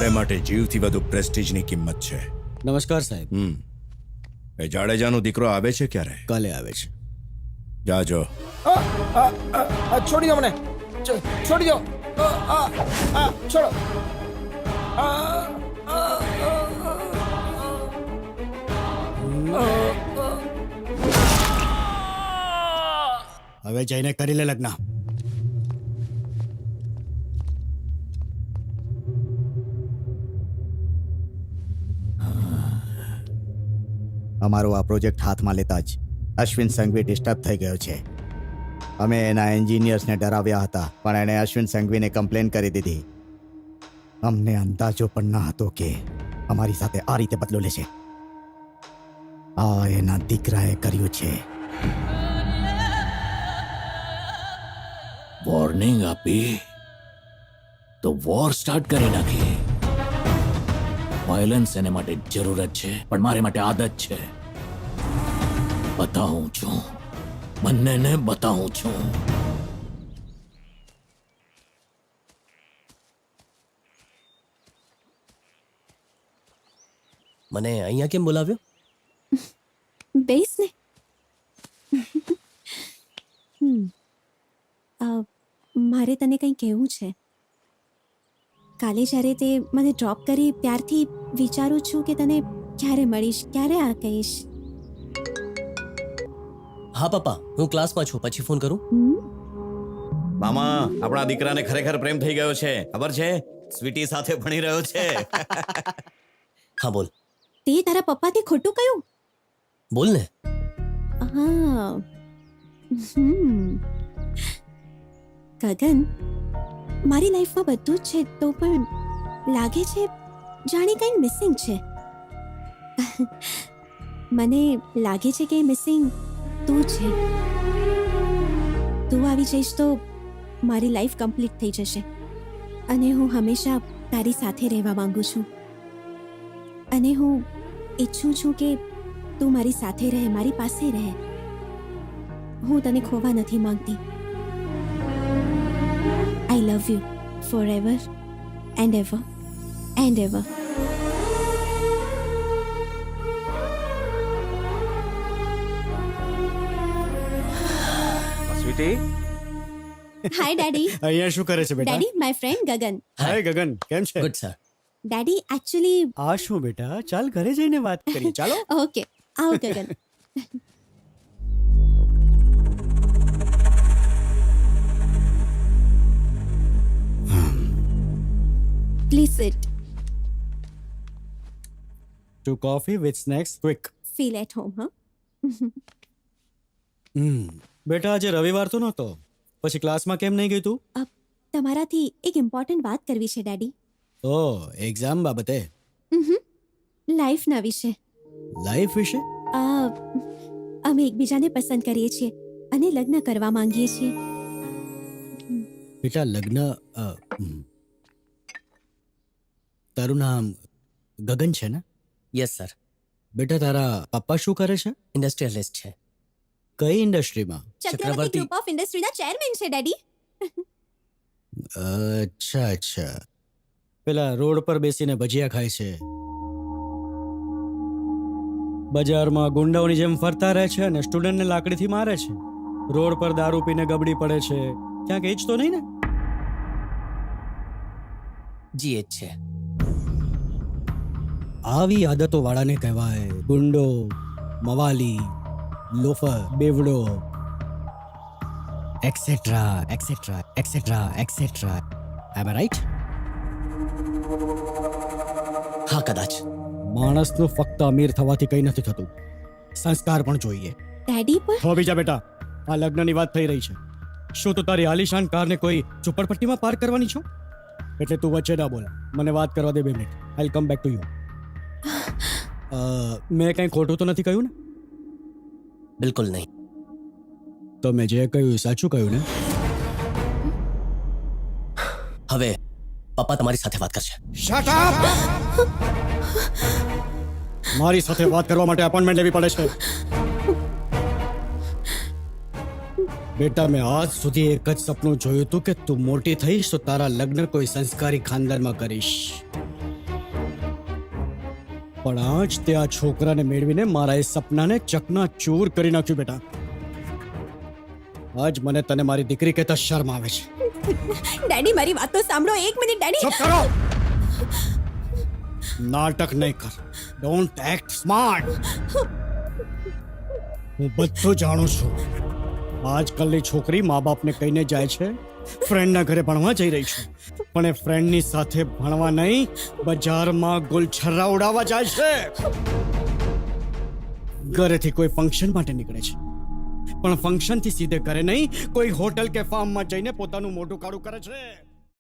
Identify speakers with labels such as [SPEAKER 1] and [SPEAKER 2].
[SPEAKER 1] મારે માટે જીવથી વધુ પ્રેસ્ટીજની કિંમત છે.
[SPEAKER 2] નમસ્કાર સાહેબ.
[SPEAKER 1] એ જાડેજાનો દીકરો આવે છે ક્યારે?
[SPEAKER 2] કાલે આવે છે.
[SPEAKER 1] જાજો.
[SPEAKER 3] છોડી દો મને, છોડી દો, છોડો.
[SPEAKER 2] હવે જઈને કરી લે લગ્ન. અમારો આ પ્રોજેક્ટ હાથમાં લેતા જ અશ્વિન સંઘવી ડિસ્ટર્બ થઈ ગયો છે. અમે એના એન્જિનિયર્સને ડરાવ્યા હતા, પણ એણે અશ્વિન સંઘવીને કમ્પ્લેન કરી દીધી. અમને અંદાજો પણ ન હતો કે અમારી સાથે આ રીતે બદલો લેશે. આ એના દીકરાએ કર્યું છે.
[SPEAKER 4] વોર્નિંગ આપી તો વોર સ્ટાર્ટ કરી નાખી. વાયલન્સ એને માટે જરૂરત છે, પણ મારે માટે આદત છે. બતાવું છું, બંનેને બતાવું છું.
[SPEAKER 5] મને અહીંયા કેમ બોલાવ્યો?
[SPEAKER 6] બેસ ને. મારે તને કંઈ કહેવું છે. કાલે જ્યારે તે મને ડ્રોપ કરી ત્યારથી વિચારું છું કે તને ક્યારે મળીશ, ક્યારે આ કહીશ.
[SPEAKER 5] હા પપ્પા, હું ક્લાસમાં છું, પછી ફોન કરું.
[SPEAKER 4] મામા, આપણા દીકરાને ખરેખર પ્રેમ થઈ ગયો છે. ખબર છે, સ્વીટી સાથે ભણી રહ્યો છે.
[SPEAKER 5] હા બોલ.
[SPEAKER 6] તે તારા પપ્પાથી ખોટું કયું?
[SPEAKER 5] બોલ ને.
[SPEAKER 6] હા. ગગન, મારી લાઈફમાં બધું જ છે, તો પણ લાગે છે જાણે કંઈ મિસિંગ છે. મને લાગે છે કે મિસિંગ તું છે. તું આવી જઈશ તો મારી લાઈફ કમ્પ્લીટ થઈ જશે, અને હું હંમેશા તારી સાથે રહેવા માંગુ છું. અને હું ઈચ્છું છું કે તું મારી સાથે રહે, મારી પાસે રહે. હું તને ખોવા નથી માંગતી. I love you forever and ever and ever.
[SPEAKER 4] Sweetie,
[SPEAKER 6] Hi daddy.
[SPEAKER 2] અહીંયા શું કરે છે બેટા?
[SPEAKER 6] Daddy, my friend Gagan.
[SPEAKER 2] હાય ગગન, કેમ છે?
[SPEAKER 5] Good sir.
[SPEAKER 6] Daddy, actually,
[SPEAKER 2] આ શું બેટા, ચાલ ઘરે જઈને વાત કરીએ. ચાલો.
[SPEAKER 6] okay. આવો ગગન. Please sit.
[SPEAKER 2] Two coffee with snacks, quick.
[SPEAKER 6] Feel at home, huh?
[SPEAKER 2] બેટા આજે રવિવાર તો નહોતો, પછી ક્લાસમાં કેમ નહીં ગઈ તું?
[SPEAKER 6] તમારાથી એક ઇમ્પોર્ટન્ટ વાત કરવી છે ડેડી.
[SPEAKER 2] ઓ, એક્ઝામ બાબતે?
[SPEAKER 6] લાઈફના વિશે.
[SPEAKER 2] લાઈફ વિશે?
[SPEAKER 6] અમે એકબીજાને પસંદ કરીએ છીએ અને લગ્ન કરવા માંગીએ છીએ.
[SPEAKER 2] બેટા લગ્ન, તારું નામ ગગન છે ને?
[SPEAKER 5] Yes sir.
[SPEAKER 2] બેટા તારા પપ્પા શું કરે છે?
[SPEAKER 5] ઇન્ડસ્ટ્રીયલિસ્ટ છે.
[SPEAKER 2] કઈ ઇન્ડસ્ટ્રીમાં?
[SPEAKER 6] ચક્રવર્તી ગ્રુપ ઓફ ઇન્ડસ્ટ્રીના ચેરમેન છે ડેડી.
[SPEAKER 2] અચ્છા અચ્છા. પેલા રોડ પર બેસીને ભજીયા ખાય છે, બજારમાં ગુંડાઓની જેમ ફરતા રહે છે અને સ્ટુડન્ટને લાકડીથી મારે છે, રોડ પર દારૂ પીને ગબડી પડે છે. ક્યાંક એ જ તો નહીં ને?
[SPEAKER 5] જી એચ છે.
[SPEAKER 2] આવી આદતો વાળાને કહેવાય ગુંડો, મવાલી, લોફર, બેવડો, એક્સેટ્રા એક્સેટ્રા એક્સેટ્રા એક્સેટ્રા. એમ રાઈટ?
[SPEAKER 5] હા કદાચ.
[SPEAKER 2] માણસનું ફક્ત અમીર થવાથી કંઈ નથી થતું, સંસ્કાર પણ જોઈએ.
[SPEAKER 6] ડેડી પણ
[SPEAKER 2] હો બીજા બેટા, આ લગ્નની વાત થઈ રહી છે. શું તું તારી આલિશાન કારને કોઈ ઝુંપડપટ્ટીમાં પાર્ક કરવાની છો? એટલે તું વચ્ચે ના બોલ, મને વાત કરવા દે 2 minute. I come back to you. મેં કંઈ ખોટું તો નથી કહ્યું ને?
[SPEAKER 5] બિલકુલ નહીં.
[SPEAKER 2] તો મેં જે કહ્યું સાચું કહ્યું ને?
[SPEAKER 5] હવે પપ્પા તમારી સાથે વાત કરશે.
[SPEAKER 2] Shut up! મારી સાથે વાત કરવા માટે અપોઇન્ટમેન્ટ લેવી પડે છે. બેટા મેં આજ સુધી એક જ સપનું જોયું હતું કે તું મોટી થઈશ તો તારા લગ્ન કોઈ સંસ્કારી ખાનદાનમાં કરીશ.
[SPEAKER 3] પણ આજ તે આ છોકરાને મેળવીને મારા એ સપનાને ચકનાચૂર કરી નાખ્યું બેટા. આજ મને તને મારી દીકરી કહેતા શરમ આવે છે.
[SPEAKER 6] ડેડી મારી વાત તો સાંભળો, એક મિનિટ ડેડી.
[SPEAKER 3] ચૂપ કરો. નાટક નહીં કર. Don't act smart. હું બધું જાણું છું. આજકાલની છોકરી મા બાપને કહીને જાય છે ફ્રેન્ડના ઘરે ભણવા જઈ રહી છે, પણ એ ફ્રેન્ડની સાથે ભણવા નહીં, બજારમાં ગુલછર્રા ઉડાવવા જાય છે. ઘરેથી કોઈ ફંક્શન માટે નીકળે છે, પણ ફંક્શનથી સીધે ઘરે નહીં, કોઈ હોટલ કે ફાર્મમાં જઈને પોતાનું મોઢું કાળું કરે છે.